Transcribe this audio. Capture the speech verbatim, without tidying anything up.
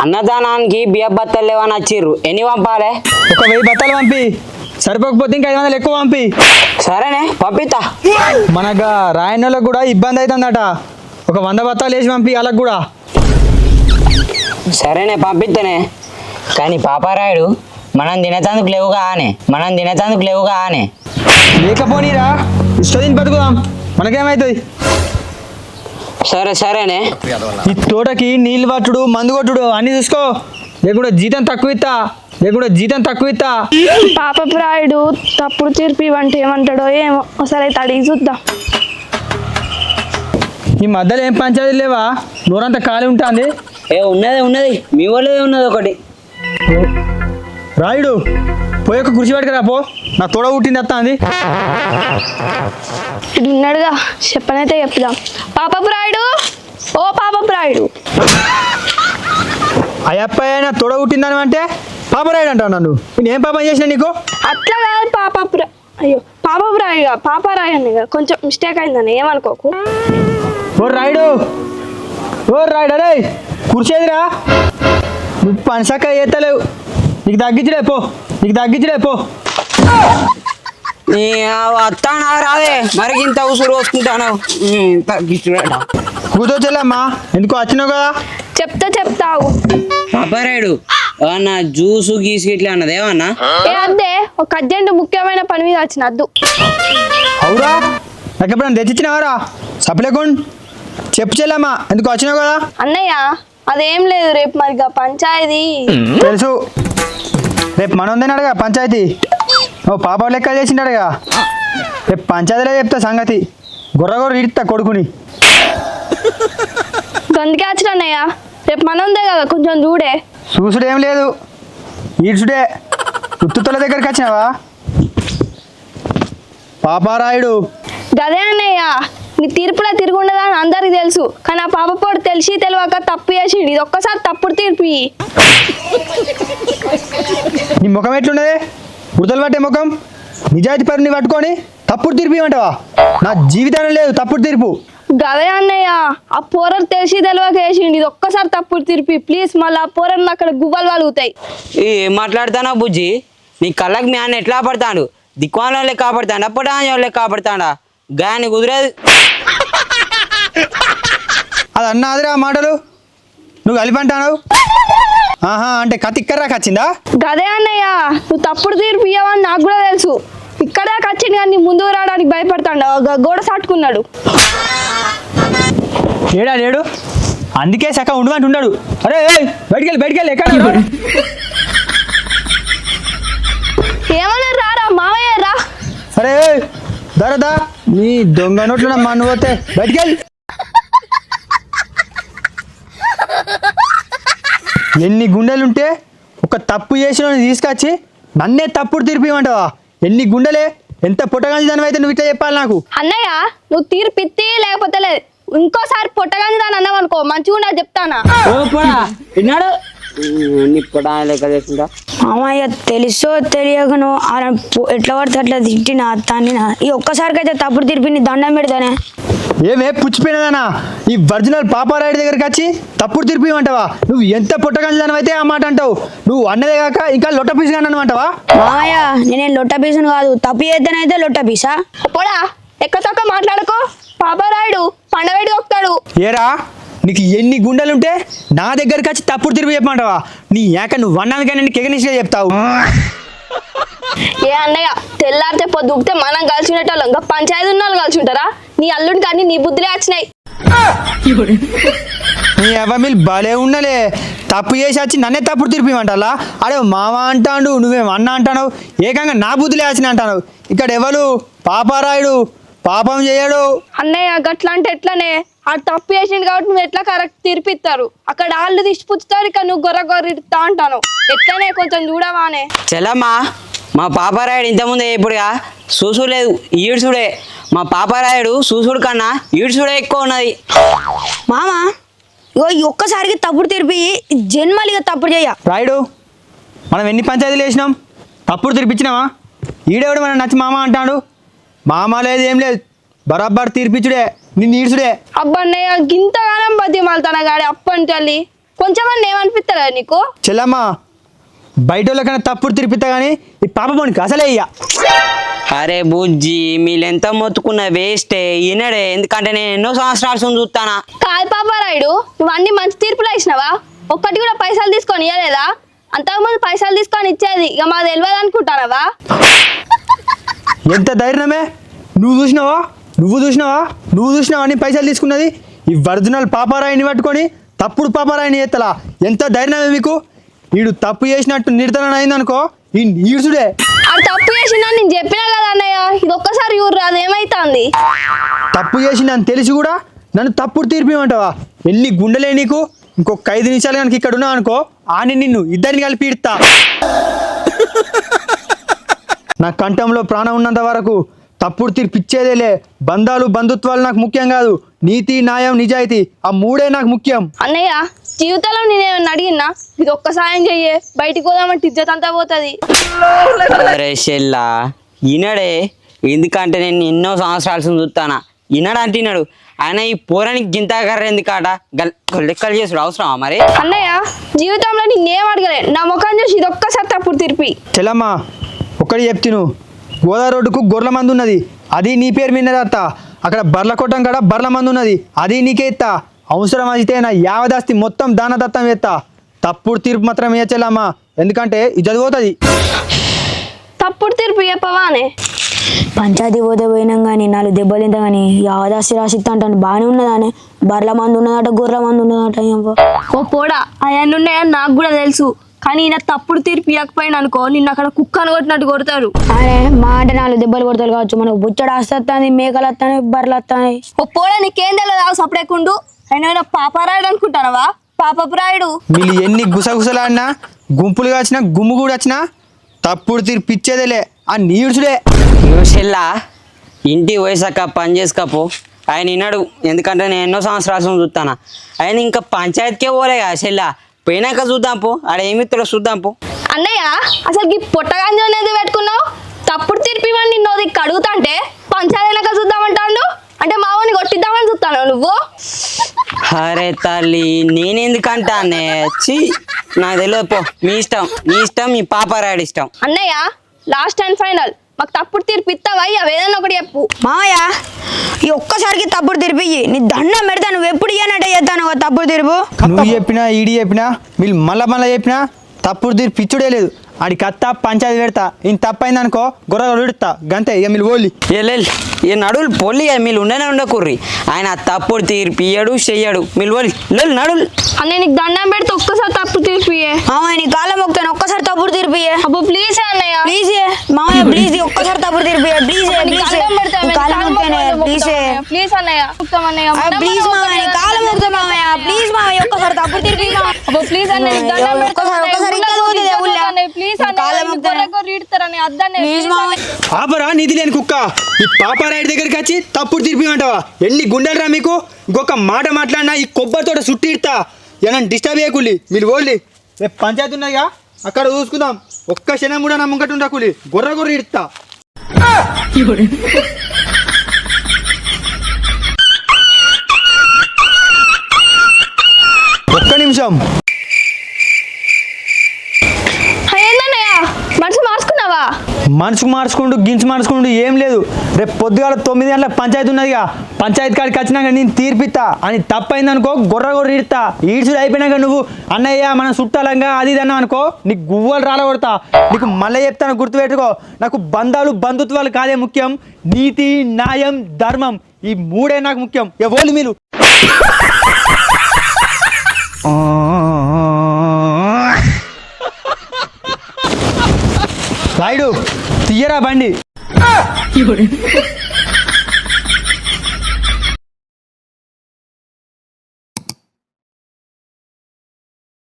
అన్నదానానికి బియ్య బత్తలు లేవని వచ్చిర్రు, ఎన్ని పంపాలే? ఒక వెయ్యి బత్తాలు పంపి, సరిపోకపోతే ఇంకా ఐదు వందలు ఎక్కువ పంపి. సరేనే పంపిస్తా. మనకు రాయనోళ్ళకి కూడా ఇబ్బంది అవుతుందట, ఒక వంద బత్తాలు వేసి పంపి వాళ్ళకి కూడా. సరేనే పంపిస్తేనే, కానీ పాపారాయుడు మనం తినేతందుకు లేవుగా ఆనే మనం తినేతందుకు లేవుగా ఆనే లేకపోనీరా, ఇష్టదిని బతుకుదాం, మనకేమవుతుంది? సరే సరేనే. ఈ తోటకి నీళ్ళు పట్టుడు మందు కొట్టుడు అన్ని చూసుకో, లేకుండా జీతం తక్కువ ఇస్తా, లేకుండా జీతం తక్కువ ఇస్తా. పాప ప్రాయుడు తప్పుడు తీర్పు అంటే ఏమంటాడో ఏమో, ఒకసారి అయితే అడిగి చూద్దాం. ఈ మధ్యలో ఏం పంచాయతీ లేవా? నోరంతా ఖాళీ ఉంటుంది. ఏ ఉన్నది ఉన్నది, మీ వాళ్ళదే ఉన్నది ఒకటి. రాయుడు పోయి ఒక కుర్చీ పట్టుకురా పో, నా తోడ పుట్టింది వస్తా అంది. ఇది ఉన్నాడుగా, చెప్పనైతే చెప్దాం. పాప ప్రాయుడు, ఓ పాప ప్రాయుడు. అయ్యప్ప నా తోడ పుట్టిందని అంటే పాప రాయుడు అంటావు నన్ను. నేను ఏం పాపం చేసిన నీకు? అట్లా కాదు పాప ప్రా అయ్యో పాప ప్రాయుడుగా పాప రాయని కొంచెం మిస్టేక్ అయిందని ఏమనుకోకు. ఓ రాయుడు, ఓ రాయుడు, అరే కుర్చేదిరా, నువ్వు పనిసక్క చేస్తలేవు, నీకు తగ్గించలే పో, నీకు తగ్గించలే పో. వస్తానా రావే, మరి ఇంత ఉసురు వస్తుంటాను. కూతో చెల్లమ్మా, ఎందుకు వచ్చినావు కదా? చెప్తా చెప్తావు. పాపారాయుడు ఏమన్నా జ్యూసు గీసు ఇట్లా అన్నది ఏమన్నా? ఏ అద్దే, ఒక అర్జెంట్ ముఖ్యమైన పని మీద వచ్చిన అద్దు. అవురా, నాకు ఎప్పుడైనా తెచ్చిచ్చినావారా? సప్లేకుండా చెప్పు చెల్లమ్మా, ఎందుకు వచ్చినావు కదా? అన్నయ్య అదేం లేదు, రేపు మరిగా పంచాయతీ. తెలుసు, రేపు మనం ఉందేనాడుగా పంచాయతీ. ఓ పాప లెక్క చేసిండాడుగా, రేపు పంచాయతీలో చెప్తా సంగతి. గొర్ర గొర్ర ఇడతా కొడుకుని. గందుకే వచ్చిన అన్నయ్య, రేపు మన ఉందే కదా, కొంచెం చూడే. చూసుడు ఏం లేదు, ఈడ్చుడే. ఉత్తుల దగ్గరికి వచ్చినావా పాపారాయుడు? గదే అన్నయ్య, నీ తీర్పులో తిరుగుండదా అని అందరికి తెలుసు, కానీ ఆ పాప పోడు తెలిసి తెలియక తప్పు చేసిండు. ఇది ఒక్కసారి తప్పుడు తీర్పు. నీ ముఖం ఎట్లున్నది? ఉడతలు పట్టే ముఖం, నిజాయితీ పరుని పట్టుకొని తప్పుడు తీర్పు ఇవ్వమంటావా? నా జీవితాన్ని లేదు తప్పుడు తీర్పు. గదే అన్నయ్య, ఆ పోరలు తెలిసి తెలియక వేసిండు. ఇది ఒక్కసారి తప్పుడు తీర్పు ప్లీజ్. మళ్ళీ ఆ పోరలు అక్కడ గువ్వలు వాలుగుతాయి. ఏం మాట్లాడతానా బుజ్జి? నీ కళ్ళకి మీ అన్న ఎట్లా పడతాడు? దిక్వాన్ వాళ్ళే కాపాడుతాడా, పొటాన్ వాళ్ళే కాపాడుతాడా? గాని కుదిరేది. అది అన్నాదిరా మాటలు, నువ్వు కలిపంటాను. ఆహా అంటే కత్తి ఇక్కడరా వచ్చిందా? గదే అన్నయ్య, నువ్వు తప్పుడు తీర్పు ఇవ్వని నాకు కూడా తెలుసు. ఇక్కడే వచ్చింది కానీ ముందుకు రావడానికి భయపడతాడు, గోడ సాటుకున్నాడు. లేడా లేడు, అందుకే సక్క ఉండమంటు ఉన్నాడు. అరే బయటికి వెళ్ళి బయటికి వెళ్ళి ఎక్కడ? ఏమన్నా రారా మావయ్య రా. అరే దరదా, నీ దొంగ నోట్లో మన్ను పోతే బయటికి వెళ్ళి. ఎన్ని గుండెలుంటే ఒక తప్పు చేసిన తీసుకొచ్చి నన్నే తప్పుడు తీర్పిమంటావా? ఎన్ని గుండెలే, ఎంత పుట్టగాంచి దాని అయితే నువ్వు ఇట్లా చెప్పాలి నాకు. అన్నయ్య నువ్వు తీర్పిత్తి లేకపోతే లేదు, ఇంకోసారి పుట్టగాని దాని అన్నావు అనుకో మంచిగా ఉండదు చెప్తానా. విన్నాడు లెక్క చేసుకుంటా. మామయ్య తెలుసో తెలియకను ఎట్లా పడితే అట్లా తిట్టినా తన్నినా, ఈ ఒక్కసారికి అయితే తప్పుడు తీర్పిని దండం పెడతానే. ఏమే పుచ్చిపోయినదానా, ఈ ఒరిజినల్ పాపారాయుడి దగ్గరికి వచ్చి తప్పుడు తీర్పు ఇవ్వమంటావా? నువ్వు ఎంత పుట్టగాంచి దాని అయితే ఆ మాట అంటావు. నువ్వు అన్నదే కాక ఇంకా లొట్ట పీసు కానీ అంటావా? మామయ్య నేనేం లొట్ట పీసును కాదు, తప్పు చేద్దానైతే లొట్ట పీసా. పోడా ఎక్క తొక్క మాట్లాడుకో, పాపారాయుడు పండవేడి దొక్కుతాడు. ఏరా నీకు ఎన్ని గుండెలుంటే నా దగ్గరికి వచ్చి తప్పుడు తీర్పు చెప్పమంటావా? నీ ఏక నువ్వు అన్నానికైనా నీకు ఎగనిష్గా చెప్తావు. ఏ అన్నయ్య తెల్లారితే పొద్దుగితే మనం కలిసి ఉండేటోళ్ళం, ఇంకా పంచాయతీ ఉన్న వాళ్ళు కలిసి ఉంటారా? నీ అల్లుడికి కానీ నీ బుద్ధులే వచ్చినాయి. నీ ఎవరు భలే ఉన్నలే, తప్పు చేసి వచ్చి నన్నే తప్పుడు తీర్పు ఇవ్వమంటాలా? అడే మామ అంటాడు, నువ్వేం అన్న అంటావు, ఏకంగా నా బుద్ధులే వచ్చిన అంటావు. ఇక్కడ ఎవరు పాపారాయుడు పాపం చేయడు. అన్నయ్య గట్లా అంటే ఎట్లనే, ఆ తప్పు చేసిండు కాబట్టి నువ్వు ఎట్లా కరెక్ట్ తీర్పిస్తారు? అక్కడ వాళ్ళు తీసిపుచ్చుతారు, ఇక్కడ నువ్వు గొర్ర గొర్రెడతా అంటాను. ఎట్లనే కొంచెం చూడవానే. చెల్లమ్మా, మా పాపారాయుడు ఇంతకుముందు ఇప్పుడుగా చూసు లేదు, ఈడ్చుడే. మా పాపారాయుడు చూసుడు కన్నా ఈడ్చుడే ఎక్కువ ఉన్నది. మామ ఇగో ఈ ఒక్కసారికి తప్పుడు తీర్పి జన్మలిగా తప్పుడు చేయ. రాయుడు మనం ఎన్ని పంచాయతీలు వేసినాం, తప్పుడు తీర్పిచ్చినావా? ఈడేవాడు మనం నచ్చి మామ అంటాడు. మామ లేదు ఏం లేదు, బరాబర్ తీర్పిచ్చుడే, నిన్ను ఈడ్చుడే. అబ్బన్నయ్య గింతగానం బతి మళ్తాన గాడి అప్పని తల్లి కొంచెం అన్న ఏమనిపిస్తారా నీకు? చెల్లమ్మ బయట వాళ్ళకన్నా తప్పుడు తిరిపిస్తా కానీ ఈ పాప పోనికి అసలే ఇయ్య. అరే బుజ్జి మీరు ఎంత మొత్తుకున్న వేస్టే ఈనడే, ఎందుకంటే నేను ఎన్నో సంవత్సరాలు చూస్తానా. కాదు పాపారాయుడు, నువ్వు అన్ని మంచి తీర్పులు ఇచ్చినావా? ఒక్కటి కూడా పైసలు తీసుకొని ఇవ్వలేదా? అంతకుముందు పైసలు తీసుకొని ఇచ్చేది, ఇక మాది తెలియదు అనుకుంటానవా? ఎంత ధైర్యమే, నువ్వు చూసినావా నువ్వు చూసినావా నువ్వు చూసినావా అని పైసలు తీసుకున్నది. ఈ ఒరిజినల్ పాపారాయిని పట్టుకొని తప్పుడు పాపారాయిని ఎత్తలా, ఎంత ధైర్యమే మీకు? వీడు తప్పు చేసినట్టు నిర్ధారణ అయిందనుకో ఈ నీడ్సుడే. అది తప్పు చేసిందా నేను చెప్పినా కదా అన్నయ్య, ఇది ఒక్కసారి ఊరు రాదు ఏమైతుంది? తప్పు చేసిందని తెలిసి కూడా నన్ను తప్పుడు తీర్పిమంటావా? ఎన్ని గుండెలే నీకు? ఇంకొక ఐదు నిమిషాలు కనుక ఇక్కడ ఉన్నావు అనుకో ఆని నిన్ను ఇద్దరిని కలిపి ఇడతా. నా కంఠంలో ప్రాణం ఉన్నంత వరకు తప్పుడు తీర్పు ఇచ్చేదేలే. బంధాలు బంధుత్వాలు నాకు ముఖ్యం కాదు, నీతి న్యాయం నిజాయితీ ఆ మూడే నాకు ముఖ్యం. అన్నయ్య జీవితంలో నేనేమన్నా అడిగినా ఇది ఒక్క సాయం చెయ్యే, బయటికి పోదామంటే ఇజ్జత్ అంతా పోతుంది. అరే చెల్లా ఈనడే, ఎందుకంటే నేను ఎన్నో సంవత్సరాలు చూస్తానా. ఈనాడు అంటున్నాడు ఆయన ఈ పోరానికి గింతాకర్ర ఎందుకాట గల్ లెక్కలు చేసుడు అవసరమా మరి? అన్నయ్య జీవితంలో నేనేం అడగలే, నా ముఖం చూసి ఇది ఒక్కసారి తప్పుడు తీర్పి. చెల్లమ్మ ఒక్కడి చెప్తిను, గోదావరి రోడ్డుకు గొర్రెల మంది ఉన్నది, అది నీ పేరు మీద అత్త. అక్కడ బర్ల కొట్టం కాడ బర్ల మంది ఉన్నది, అది నీకే ఇస్తా. అవసరం అయితే నా యావదాస్తి మొత్తం దానదత్తం ఎత్తా. తప్పుడు తీర్పు మాత్రం ఏ చెల్లమ్మ, ఎందుకంటే ఇది చదిపోతుంది. తప్పుడు తీర్పు చెప్పవానే? పంచాయతీ పోతే పోయినాం కానీ నాలుగు దెబ్బలు తింటా కానీ యావదాసి రాసిస్తా అంటాను. బాగానే ఉన్నదానే, బర్ల మంది ఉన్నదట గొర్రెల మంది ఉన్నదట. ఓ పోడా అవన్నీ ఉన్నాయని నాకు కూడా తెలుసు, కానీ ఈయన తప్పుడు తీర్పు ఇవ్వకపోయినా అనుకో నిన్ను అక్కడ కుక్కను కొట్టినట్టు కొడతారు. అరే మా అంటే నాలుగు దెబ్బలు కొడతారు కావచ్చు, మనకు బుచ్చడు వస్తుంది, మేకలు వస్తాయి, బర్రెలు వస్తాయి. ఓ పోడా నీకేం తెలియదు సపడేకుండు, అయినా పాపారాయుడు అనుకుంటానవా? పాపపురాయుడు. వీళ్ళు ఎన్ని గుసగుసలాడినా గుంపులుగా వచ్చినా గుమ్ము కూడా వచ్చినా తప్పుడు తీర్పు ఇచ్చేదేలే ఆ నీడ్సుడే. చెల్లా ఇంటికి పోయేసాక పని చేసుకపో. ఆయన విన్నాడు, ఎందుకంటే నేను ఎన్నో సంవత్సరాలు చూస్తానా. ఆయన ఇంకా పంచాయతీకే పోలే కదా చెల్లా, పోయినాక చూద్దాం పో, ఆడ ఏమిత్తుడో చూద్దాం పో. అన్నయ్య అసలు ఈ పొట్టగాంజ అనేది పెట్టుకున్నావు, తప్పుడు తీర్పు ఇవ్వండి నిన్ను దిక్కు అడుగుతాంటే పంచాయతీనాక చూద్దామంటాడు, అంటే మావని కొట్టిద్దామని చూస్తాను నువ్వు. అరే తల్లి నేనెందుకంటానే, చి నాకు తెలియదు పో, మీ ఇష్టం మీ ఇష్టం మీ పాపారాయుడు ఇష్టం. అన్నయ్య లాస్ట్ అండ్ ఫైనల్ మాకు తప్పుడు తీర్పు ఇస్తావా? ఏదైనా ఒకటి చెప్పు. మామయ్య ఈ ఒక్కసారికి తప్పుడు తీర్పు ఇయ్యి, నీ దండం పెడతా. నువ్వు ఎప్పుడు ఇయ్యనట్టే చేస్తాను తప్పుడు తీర్పు. నువ్వు చెప్పినా ఈడి చెప్పినా వీళ్ళు మళ్ళా మళ్ళీ చెప్పినా తప్పుడు తీర్పు ఇచ్చుడే లేదు. ఆడి కత్తా పంచాయతీ పెడతా, ఈయన తప్పైంది అనుకో గొర్ర విడుతా గంతే. ఇక మీరు ఓలి ఏ ఈ నడువులు పొల్లి మీరు ఉండనే ఉండకుర్రి. ఆయన తప్పుడు తీర్పు ఇయ్యడు చెయ్యడు, మీరు ఓలి నడులు. అన్నయ్య నీకు దండం పెడితే ఒక్కసారి తప్పుడు తీర్పు ఇయ్యే. మామయ్య నీ కాలం మొక్కుతాను, ఒక్కసారి తప్పుడు తీర్పు ఇయ్యే. అబ్బో ప్లీజ్ అన్నయ్య, ప్లీజ్ మామయ్య ప్లీజ్ ఒక్కసారి తప్పుడు తీర్పు ఇయ్యే. ప్లీజ్ ప్లీజ్ దండం పెడతా కాలం మొక్కుతానే ప్లీజ్ ప్లీజ్ అన్నయ్య. ప్లీజ్ మామయ్య నీ కాలం మొక్కుతా మామయ్య, ప్లీజ్ మామయ్య ఒక్కసారి తప్పుడు తీర్పు ఇయ్యి. అబ్బో ప్లీజ్ అన్నయ్య నీకు దండం పెడతా. ఒక్కసారి ఒక్కసారి ఇంకా పోతుంది ఊళ్ళో. ప్లీజ్ ప్లీజ్ మామయ్య. ఆపరా నీతి లేని కుక్క, ఈ పాపారాయుడి దగ్గరికి వచ్చి తప్పుడు తీర్పిమంటావా? ఎన్ని గుండెలరా మీకు? ఇంకొక మాట మాట్లాడినా ఈ కొబ్బరితోట సుట్టి ఇడతా. ఏమన్నా డిస్టర్బ్ చేయకులి, మీరు ఓళ్ళి. రేపు పంచాయతీ ఉన్నదిగా అక్కడ చూసుకుందాం. ఒక్క క్షణం కూడా నా ముంగట ఉండకులి, గొర్ర గొర్ర ఇడతా. ఒక్క నిమిషం. మనసు మార్చుకున్నావా? మనసుకు మార్చుకుంటూ గించి మార్చుకుంటూ ఏం లేదు. రేపు పొద్దుగాల తొమ్మిది గంటలకు పంచాయతీ ఉన్నదిగా, పంచాయతీ కాడికి వచ్చినాక నేను తీర్పిస్తా. అని తప్పైంది అనుకో గొర్ర గొర్ర ఇడతా. ఈడ్చుడు అయిపోయినాక నువ్వు అన్నయ్య మనం చుట్టాలంగా అది ఇది అన్నావు అనుకో నీకు గువ్వలు రాలగొడతా. నీకు మళ్ళీ చెప్తాను గుర్తుపెట్టుకో, నాకు బంధాలు బంధుత్వాలు కాదే ముఖ్యం, నీతి న్యాయం ధర్మం ఈ మూడే నాకు ముఖ్యం. ఎవరు మీరు రాయుడు తీయరా బండి.